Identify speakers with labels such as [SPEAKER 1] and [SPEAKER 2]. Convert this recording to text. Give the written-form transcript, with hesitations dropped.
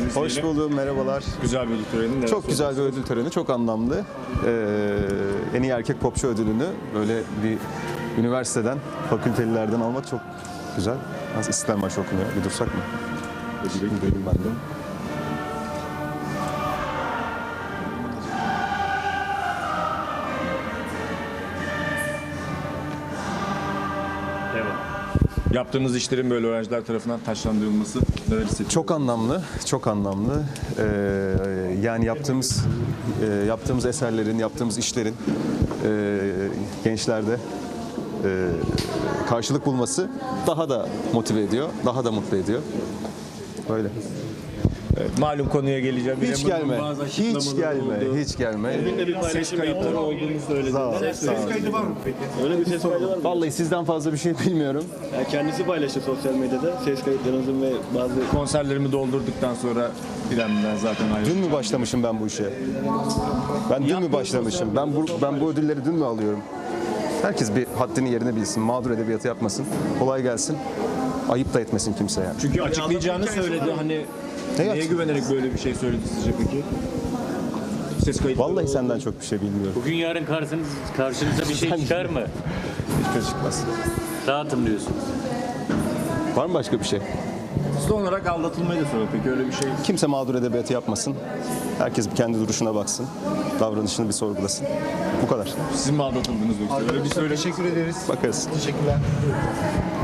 [SPEAKER 1] geldiniz.
[SPEAKER 2] Hoş
[SPEAKER 1] diyelim.
[SPEAKER 2] buldum, merhabalar.
[SPEAKER 1] Güzel bir ödül töreni. Neler
[SPEAKER 2] Çok güzel bir
[SPEAKER 1] söyleyeceksiniz?
[SPEAKER 2] ödül töreni, çok anlamlı. En iyi erkek popçu ödülünü böyle bir üniversiteden, fakültelilerden almak çok güzel. Az İstiklal Marşı okunuyor, bir dursak mı? Gidelim ben de.
[SPEAKER 1] Yaptığınız işlerin böyle öğrenciler tarafından taşlandırılması neler hissediyorsunuz?
[SPEAKER 2] Çok anlamlı, çok anlamlı. Yani yaptığımız eserlerin, yaptığımız işlerin gençlerde karşılık bulması daha da motive ediyor, daha da mutlu ediyor. Böyle.
[SPEAKER 1] Evet, malum konuya geleceğim.
[SPEAKER 2] Hiç
[SPEAKER 1] Yine
[SPEAKER 2] gelme,
[SPEAKER 1] bazı
[SPEAKER 2] hiç
[SPEAKER 1] açıklamalar oldu.
[SPEAKER 2] gelme, hiç gelme.
[SPEAKER 1] Ses kayıtları olduğunu söyledi.
[SPEAKER 2] Sağ ol, sağ ol.
[SPEAKER 3] kaydı var mı peki? Öyle bir ses kaydı var mı?
[SPEAKER 2] Vallahi sizden fazla bir şey bilmiyorum.
[SPEAKER 3] Yani kendisi paylaştı sosyal medyada ses kayıtlarınızın ve bazı...
[SPEAKER 1] Konserlerimi doldurduktan sonra İrem'den zaten ayrıldım.
[SPEAKER 2] Dün mü başlamışım ben bu işe? Ben dün mü başlamışım? Ben bu ödülleri dün mü alıyorum? Herkes bir haddini yerine bilsin. Mağdur edebiyatı yapmasın. Kolay gelsin. Ayıp da etmesin kimse yani.
[SPEAKER 1] Çünkü açıklayacağını söyledi. Hani neye
[SPEAKER 2] açık-
[SPEAKER 1] güvenerek böyle bir şey söyledi sizce peki? Ses kayıtları
[SPEAKER 2] Vallahi
[SPEAKER 1] oldu.
[SPEAKER 2] senden çok bir şey bilmiyorum.
[SPEAKER 4] Bugün yarın karşınıza bir şey çıkar mı?
[SPEAKER 2] Hiçbir şey çıkmaz.
[SPEAKER 4] Dağıtım diyorsunuz.
[SPEAKER 2] Var mı başka bir şey?
[SPEAKER 1] Son olarak aldatılmayı da söyledi. Peki öyle bir şey.
[SPEAKER 2] Kimse mağdur edebiyatı yapmasın. Herkes bir kendi duruşuna baksın. Davranışını bir sorgulasın. Bu kadar.
[SPEAKER 1] Sizin mi aldatıldınız yoksa? Öyle bir söyle.
[SPEAKER 2] Bakarız.
[SPEAKER 3] Teşekkürler.